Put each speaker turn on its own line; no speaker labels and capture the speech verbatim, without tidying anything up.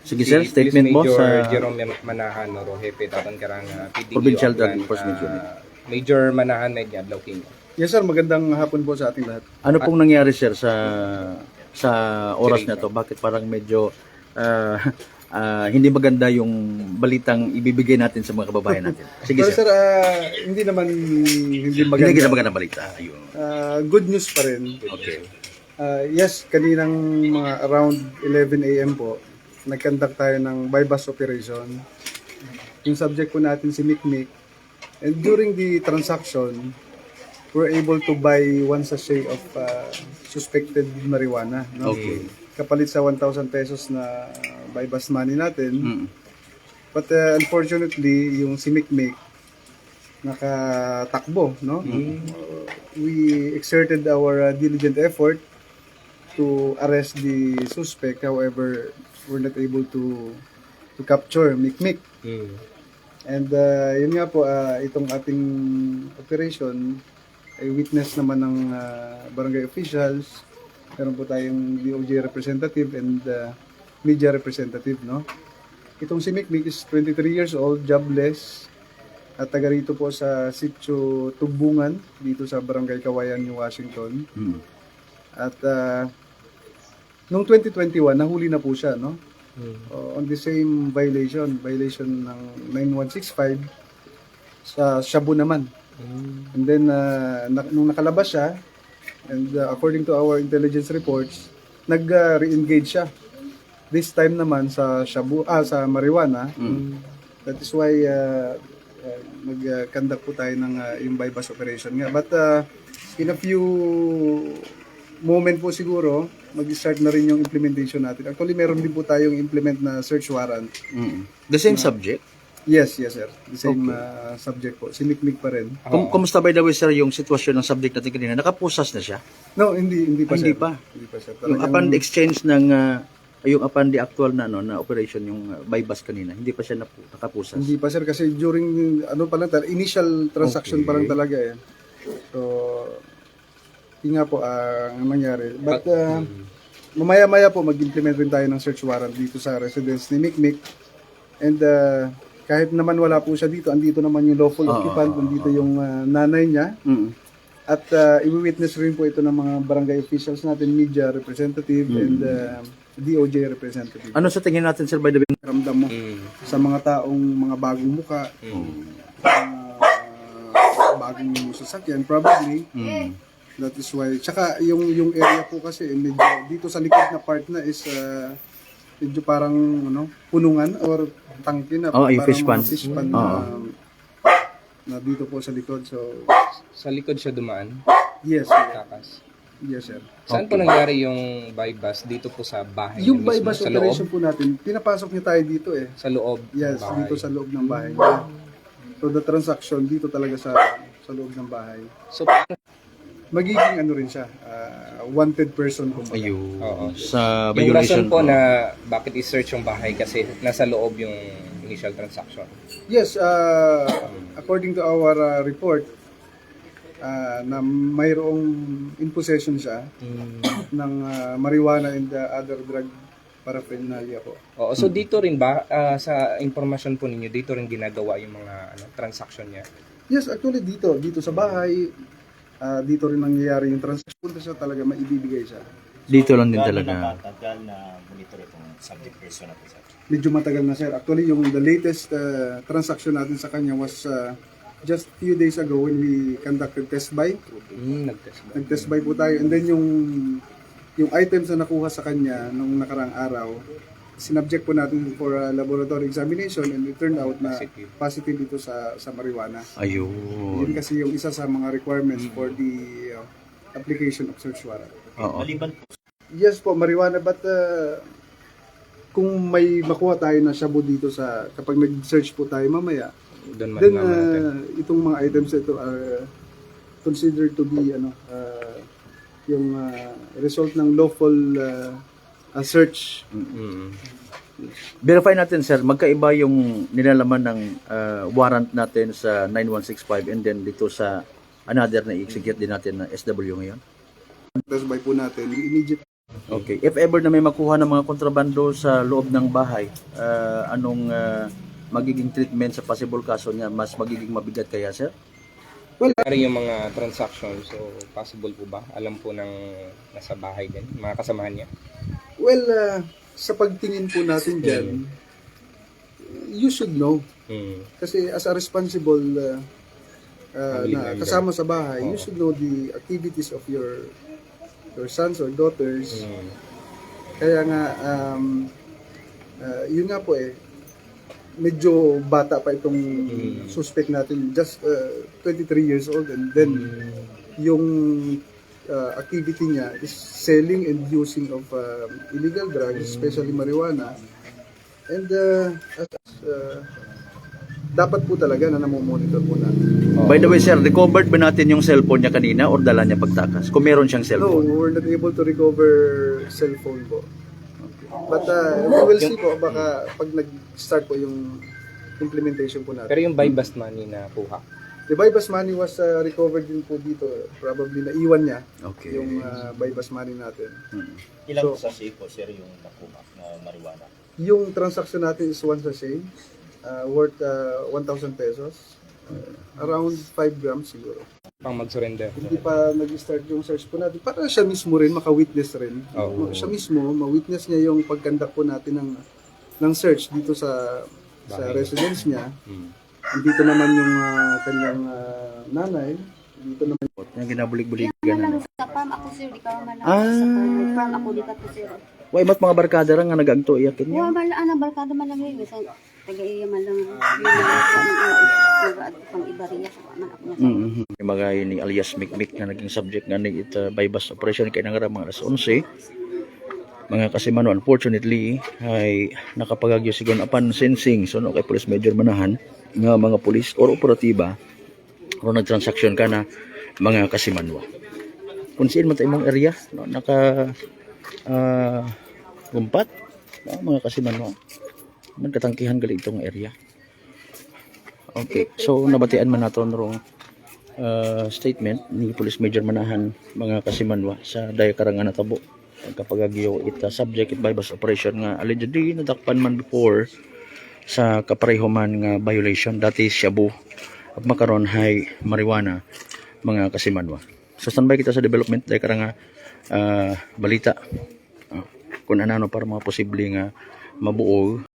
Sige sir, statement mo
Major
sa
Jerome Manahan Rojepe Tatan Karanga P D E
Provincial Drug
Oplan,
Enforcement
ah,
Unit.
Major Manahan Medya Blauking.
Yes sir, magandang hapon po sa ating lahat.
Ano pong nangyari sir sa sa oras na to? Bakit parang medyo ah, ah, hindi maganda yung balitang ibibigay natin sa mga kababayan natin? Sige
Pero
sir.
sir, ah, hindi naman hindi
Hindi
maganda.
kita magandang balita. Ayun.
Ah, good news pa rin.
Okay.
Ah, yes, kaninang mga around eleven a m po, nag-conduct tayo ng bypass operation. Yung subject po natin si Mikmik. And during the transaction, we're able to buy one sachet of ah, suspected marijuana. No?
Okay.
Kapalit sa one thousand pesos na bypass money natin.
Mm.
But uh, unfortunately, yung si Mikmik nakatakbo, no? Uh, we exerted our uh, diligent effort to arrest the suspect. However, we're not able to to capture Mikmik.
Mm.
And uh, yun nga po, uh, itong ating operation ay witness naman ng uh, barangay officials. Meron po tayong D O J representative and uh, media representative, no? Itong si Mikmik is twenty-three years old, jobless, at taga rito po sa Sitio Tugbungan, dito sa Barangay Kawayan, New Washington.
Mm.
At uh, noong twenty twenty-one, nahuli na po siya, no?
Mm.
Uh, on the same violation, violation ng nine one six five sa Shabu naman.
Mm.
And then, uh, na, nung nakalabas siya, and uh, according to our intelligence reports, nag-re-engage siya. This time naman sa Shabu, ah, sa marijuana.
Mm.
That is why uh, uh, nag-conduct po tayo ng uh, yung bypass operation nga. But uh, in a few moment po siguro, mag-start na rin yung implementation natin. Actually, meron din po tayong implement na search warrant.
Mm. The same subject?
Yes, yes sir. The same
Okay.
uh, subject po. Si Mikmik pa rin.
Kum kumusta by the way sir yung sitwasyon ng subject natin kanina? Nakapusas na siya?
No, hindi hindi pa
Ah, hindi
sir.
pa?
Hindi pa sir.
Yung
Talagang-
upon the exchange ng ah, yung upon the actual na no na operation yung uh, bypass kanina, hindi pa siya napu- nakapusas.
Hindi pa sir kasi during ano pa lang tal- initial transaction pa lang
Okay.
talaga eh. So yun nga po ah, ang nangyari. But uh, mamaya-maya po mag-implement rin tayo ng search warrant dito sa residence ni Mikmik. And uh, kahit naman wala po siya dito, andito naman yung lawful
Oo,
occupant,
oo,
andito yung uh, nanay niya.
Mm.
At uh, i-witness rin po ito ng mga barangay officials natin, media representative and uh, D O J representative.
Ano sa tingin natin sir by the way?
Ramdam mo
Mm.
sa mga taong mga bagong muka,
Mm.
uh, bagong sasakyan probably.
Mm.
That is why. Tsaka yung yung area po kasi medyo dito sa likod na part na is uh, medyo parang ano, punungan or tangke na
Oh, yung
parang
fish pond.
mga fish pond
Oo.
na, na dito po sa likod. So
Sa likod siya dumaan.
yes, sir.
Takas.
Yes sir.
Saan po nangyari yung bypass? Dito po sa bahay
Yung
niya mismo?
bypass
Sa
operation
loob?
po natin, pinapasok niya tayo dito eh.
Sa loob? ng
Yes,
bahay.
dito sa loob ng bahay niya. So the transaction dito talaga sa sa loob ng bahay.
So, paano?
Magiging ano rin siya, uh, wanted person kumbaga.
Ayun.
Oo.
Sa
Yung
violation
rason po
oh.
na bakit i-search yung bahay kasi nasa loob yung initial transaction.
Yes, uh, according to our uh, report, uh, na mayroong in possession siya ng uh, marijuana and uh, other drug paraphernalia po.
Oo, so dito rin ba ah, sa impormasyon po ninyo dito rin ginagawa yung mga ano, transaction niya?
Yes, actually dito, dito sa bahay, uh, dito rin nangyayari yung transaction. Punta siya talaga, maibibigay siya.
Dito lang din
Gaano
talaga.
nakatagal na monitor itong subject person na po, sir?
Medyo matagal na sir. Actually, yung the latest uh, transaction natin sa kanya was uh, just few days ago when we conducted test buy.
Mm, nag-test ba?
Nag-test buy po tayo. And then yung yung items na nakuha sa kanya nung nakarang araw, sinubject po natin for a laboratory examination and it turned out na
Positive.
positive ito sa sa marijuana.
Ayun.
Yun kasi yung isa sa mga requirements for the uh, application of search warrant.
Oo.
Maliban po
Yes po, marijuana, but uh, kung may makuha tayo na shabu dito sa, kapag nag-search po tayo mamaya,
Doon
then
malalaman natin.
uh, itong mga items ito are considered to be ano, uh, yung uh, result ng lawful uh, uh, search.
Mm.
Verify natin sir, magkaiba yung nilalaman ng ah, warrant natin sa nine one six five and then dito sa another na i-execute din natin na S W ngayon.
Test buy po natin, immediate
Okay. If ever na may makuha ng mga kontrabando sa loob ng bahay, ah, anong ah, magiging treatment sa possible kaso niya? Mas magiging mabigat kaya, sir?
Ano yung mga transactions, so possible po ba? Alam po ng nasa bahay din, mga kasamahan niya?
Well, uh, sa pagtingin po natin dyan, you should know.
Hmm.
Kasi as a responsible uh, uh,
Family
na
member.
kasama sa bahay, you
Oo.
should know the activities of your your sons or daughters.
Hmm.
Kaya nga, um, uh, yun nga po eh, medyo bata pa itong
Mm.
suspect natin, just uh, twenty-three years old, and then yung uh, activity niya is selling and using of um, illegal drugs, especially marijuana. And uh, as, uh, dapat po talaga na namomonitor po natin.
By the way, sir, recovered ba natin yung cellphone niya kanina or dala niya pagtakas? Kung meron siyang
No,
cellphone.
we're not able to recover cellphone po. But uh, we will see po, baka pag nag-start po yung implementation po natin.
Pero yung buy bust money na kuha,
The buy-bust money was uh, recovered din po dito. Probably naiwan niya
Okay.
yung uh, buy-bust money natin.
Hmm.
Ilang
So-
sachet po, sir, yung nakuha na marijuana?
Yung transaction natin is one sachet, uh, worth uh, one thousand pesos. Uh, around five grams siguro.
pang mag-surrender.
Hindi pa nag-start yung search po natin. Para siya mismo rin, maka-witness rin.
Oo.
Siya mismo, ma-witness niya yung pag-conduct po natin ng, ng search dito sa sa
Bahay.
residence niya.
Hmm.
Dito naman yung ah, kanyang ah, nanay. Dito naman
Yung ginabulig-buligan
Kaya
na.
lang sa farm ako sir, di ka malang
Ah.
sa farm. Farm ako di ka to sir.
Way, mat mga barkada ra nga nagagto iyakin niya.
Wa malang ana barkada man lang yun. Sa taga-iya man lang yun lang pang ibariya sa man ako na.
Mm-hmm. Yung mga ni alias Mikmik na naging subject nga ni ita buy-bust operation kay nangara mga alas eleven. Mga kasimano, unfortunately, ay nakapagagyo sigon apan sensing so no kay Police Major Manahan nga mga pulis or operatiba kung nagtransaksyon ka na mga kasimanwa. Kung saan man tayo mong area, no, naka ah, gumpat, no, mga kasimanwa. Magkatangkihan gali itong area. Okay, so nabatian man naton rong uh, statement ni Police Major Manahan mga kasimanwa sa Daya Karangan Natabo pagkapagagyo ita subject it buy-bust operation nga allegedly nadakpan man before sa kapareho man nga violation dati shabu at makaron hay marijuana mga kasimanwa. So standby kita sa development Daya Karanga uh, balita uh, kung ano para mga posible nga mabuo